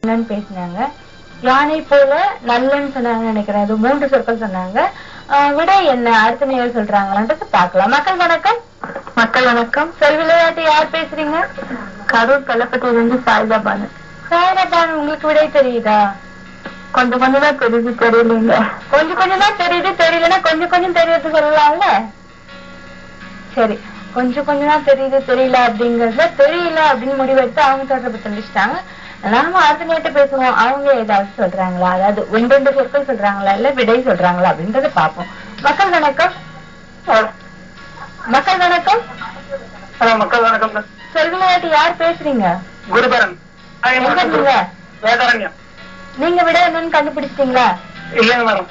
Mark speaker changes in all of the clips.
Speaker 1: பேசினாங்க. யானை போல நல்லன்னு சொன்னாங்க நினைக்கிறேன். அது 3 சொற்கள் சொன்னாங்க. விடை என்ன அடுத்த நேரம் சொல்றாங்களான்றது பாக்கலாம். மக்கள் வணக்கம்.
Speaker 2: மக்கள் வணக்கம்.
Speaker 1: சொல் விளையாட்டு யார் பேசுறீங்க?
Speaker 2: கரூர் கள்ளப்பட்டியிலிருந்து சாயிதாபானு.
Speaker 1: சாயிதாபானு, உங்களுக்கு விடை தெரியுதா?
Speaker 2: கொஞ்சம் கொஞ்சம் தான் தெரியுது, தெரியல.
Speaker 1: கொஞ்சம் கொஞ்சம் தான் தெரியுது, தெரியலன்னா கொஞ்சம் கொஞ்சம் தெரியறது சொல்லலாம்ல. சரி, கொஞ்சம் கொஞ்சம் தான் தெரியுது தெரியல அப்படிங்கறதுல தெரியல அப்படின்னு முடிவெடுத்து அவங்க தொடர்பு தெரிஞ்சுட்டாங்க. நாம அடுத்த நேரத்தை பேசுவோம். அவங்க ஏதாவது சொல்றாங்களா, அதாவது 2 சொற்கள் சொல்றாங்களா இல்ல விடை சொல்றாங்களா அப்படின்றத பாப்போம். மக்கள் வணக்கம். மக்கள் வணக்கம்.
Speaker 2: மக்கள் வணக்கம்.
Speaker 1: சொல் விளையாட்டு யார் பேசுறீங்க?
Speaker 2: குருபரன்.
Speaker 1: நீங்க விட என்னன்னு கண்டுபிடிச்சிட்டீங்களா?
Speaker 2: இல்லைங்க மேடம்,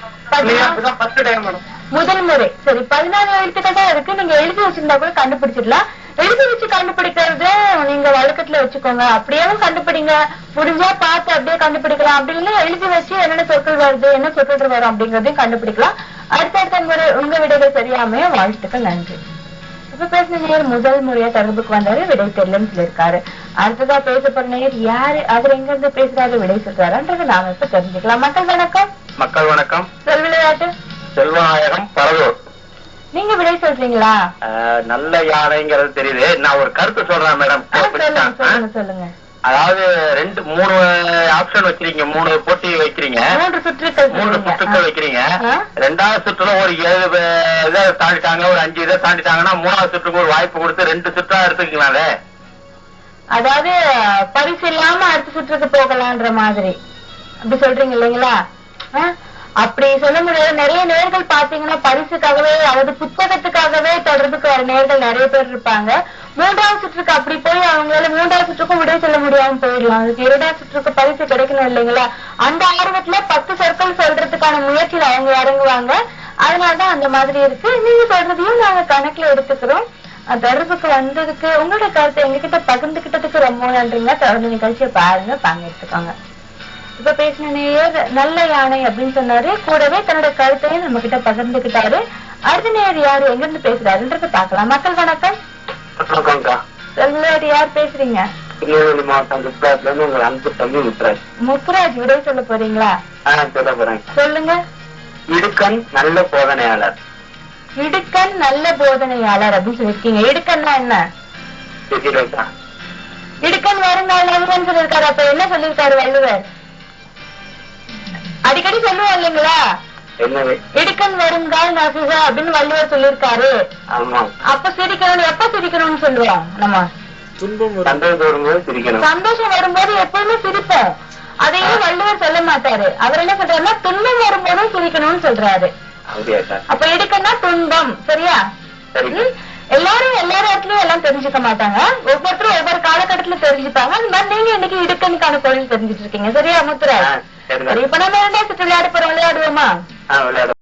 Speaker 1: முதல் முறை. சரி, 14 எழுத்துக்கள் தான் இருக்கு. நீங்க எழுதி வச்சிருந்தா கூட கண்டுபிடிச்சிடலாம். எழுதி வச்சு கண்டுபிடிக்கிறது நீங்க வழக்கத்துல வச்சுக்கோங்க. அப்படியேவும் கண்டுபிடிங்க, முடிஞ்சா பார்த்து அப்படியே கண்டுபிடிக்கலாம். அப்படி இல்லைன்னா எழுதி வச்சு என்னென்ன சொற்கள் வருது, என்ன சொற்கள் வரும் அப்படிங்கறதையும் கண்டுபிடிக்கலாம். அடுத்த முறை உங்க விடைகள் சரியாமைய வாழ்த்துக்கள். நன்றி. இப்ப பேசின நேர் முதல் முறையா தொடர்புக்கு வந்தாரு, விடை தெரியலன்னு சொல்லியிருக்காரு. அடுத்ததா பேச போற நேர் யாரு, அவர் எங்க இருந்து பேசுறாரு, விடை சொல்றாருன்றது நாம இப்ப தெரிஞ்சுக்கலாம். மக்கள் வணக்கம்.
Speaker 3: மக்கள் வணக்கம்.
Speaker 1: சொல் விளையாட்டு
Speaker 3: செல்வநாயகம் பரதூர்.
Speaker 1: நீங்க விடை சொல்றீங்களா?
Speaker 3: நல்ல யானைங்கிறது தெரியுது. நான் ஒரு கருத்து சொல்றேன் மேடம்.
Speaker 1: சொல்லுங்க.
Speaker 3: அதாவது 3 ஆப்ஷன் வச்சிருக்கீங்க, 3 போட்டி வைக்கிறீங்க, 3 சுற்றுக்கள் வைக்கிறீங்க. 2வது சுற்றுல ஒரு 7 இதை தாண்டிட்டாங்க, ஒரு 5 இதை தாண்டிட்டாங்கன்னா 3வது சுற்றுக்கு ஒரு வாய்ப்பு கொடுத்து 2 சுற்றா எடுத்துக்கீங்களே.
Speaker 1: அதாவது பரிசு இல்லாம அடுத்த சுற்றுக்கு போகலான்ற மாதிரி அப்படி சொல்றீங்க இல்லைங்களா? அப்படி சொல்ல முடியாது. நிறைய நேர்கள் பாத்தீங்கன்னா பரிசுக்காகவே, அதாவது புத்தகத்துக்காகவே தொடர்புக்கு வர நேர்கள் நிறைய பேர் இருப்பாங்க. 3வது சுற்றுக்கு அப்படி போய் அவங்களால 3வது சுற்றுக்கும் விடை சொல்ல முடியாம போயிடலாம். அதுக்கு 2வது சுற்றுக்கு பரிசு கிடைக்கணும் இல்லைங்களா? அந்த ஆர்வத்துல 10 சொற்கள் சொல்றதுக்கான முயற்சியில அவங்க இறங்குவாங்க. அதனாலதான் அந்த மாதிரி இருக்கு. நீங்க சொல்றதையும் நாங்க கணக்குல எடுத்துக்கிறோம். தொடர்புக்கு வந்ததுக்கு உங்களோட கருத்தை எங்ககிட்ட பகிர்ந்துகிட்டதுக்கு ரொம்ப நன்றிங்க. தொடர்ந்து நிகழ்ச்சியை பாருங்க, பங்கெடுத்துக்கோங்க. இப்ப பேசின நேயர் நல்ல யானை அப்படின்னு சொன்னாரு, கூடவே தன்னோட கருத்தையும் நம்ம கிட்ட பகிர்ந்துகிட்டாரு. அடுத்த நேயர் யாரு, எங்க இருந்து பேசுறாருன்றது பாக்கலாம். மக்கள் வணக்கம். யார் பேசுறீங்க? முத்துராஜ், விடை சொல்ல போறீங்களா?
Speaker 3: சொல்ல போறேன்.
Speaker 1: சொல்லுங்க.
Speaker 3: இடுக்கண் நல்ல போதனையாளர்.
Speaker 1: இடுக்கண் நல்ல போதனையாளர் அப்படின்னு சொல்லிருக்கீங்க. இடுக்கன்னா என்ன? இடுக்கண் வருங்கால் நகுவன்னு சொல்லிருக்காரு. அப்ப என்ன சொல்லிருக்காரு வள்ளுவர்? அடிக்கடி சொல்லுவோம் இல்லைங்களா, இடுக்கண் வருங்கால் நகுக அப்படின்னு வள்ளுவர் சொல்லிருக்காரு. அப்ப சிரிக்கணும். எப்ப சிரிக்கணும்னு சொல்லுவோம் நம்ம? சந்தோஷம் வரும்போது எப்பவுமே சிரிப்போம். அதையும் வள்ளுவர் சொல்ல மாட்டாரு. அவர் என்ன சொல்றாருன்னா துன்பம் வரும்போதும் சிரிக்கணும்னு சொல்றாரு. அப்ப இடுக்கன்னா துன்பம். சரியா? எல்லாரும் எல்லா இடத்துலயும் எல்லாம் தெரிஞ்சுக்க மாட்டாங்க. ஒவ்வொருத்தரும் ஒவ்வொரு காலகட்டத்துல தெரிஞ்சுப்பாங்க. அந்த மாதிரி நீங்க இன்னைக்கு இடுக்கனுக்கான பொருள் தெரிஞ்சுட்டு இருக்கீங்க. சரியா முத்துராஜ்? இப்ப நம்ம 2வது சுற்று விளையாட போறோம். விளையாடுவோமா?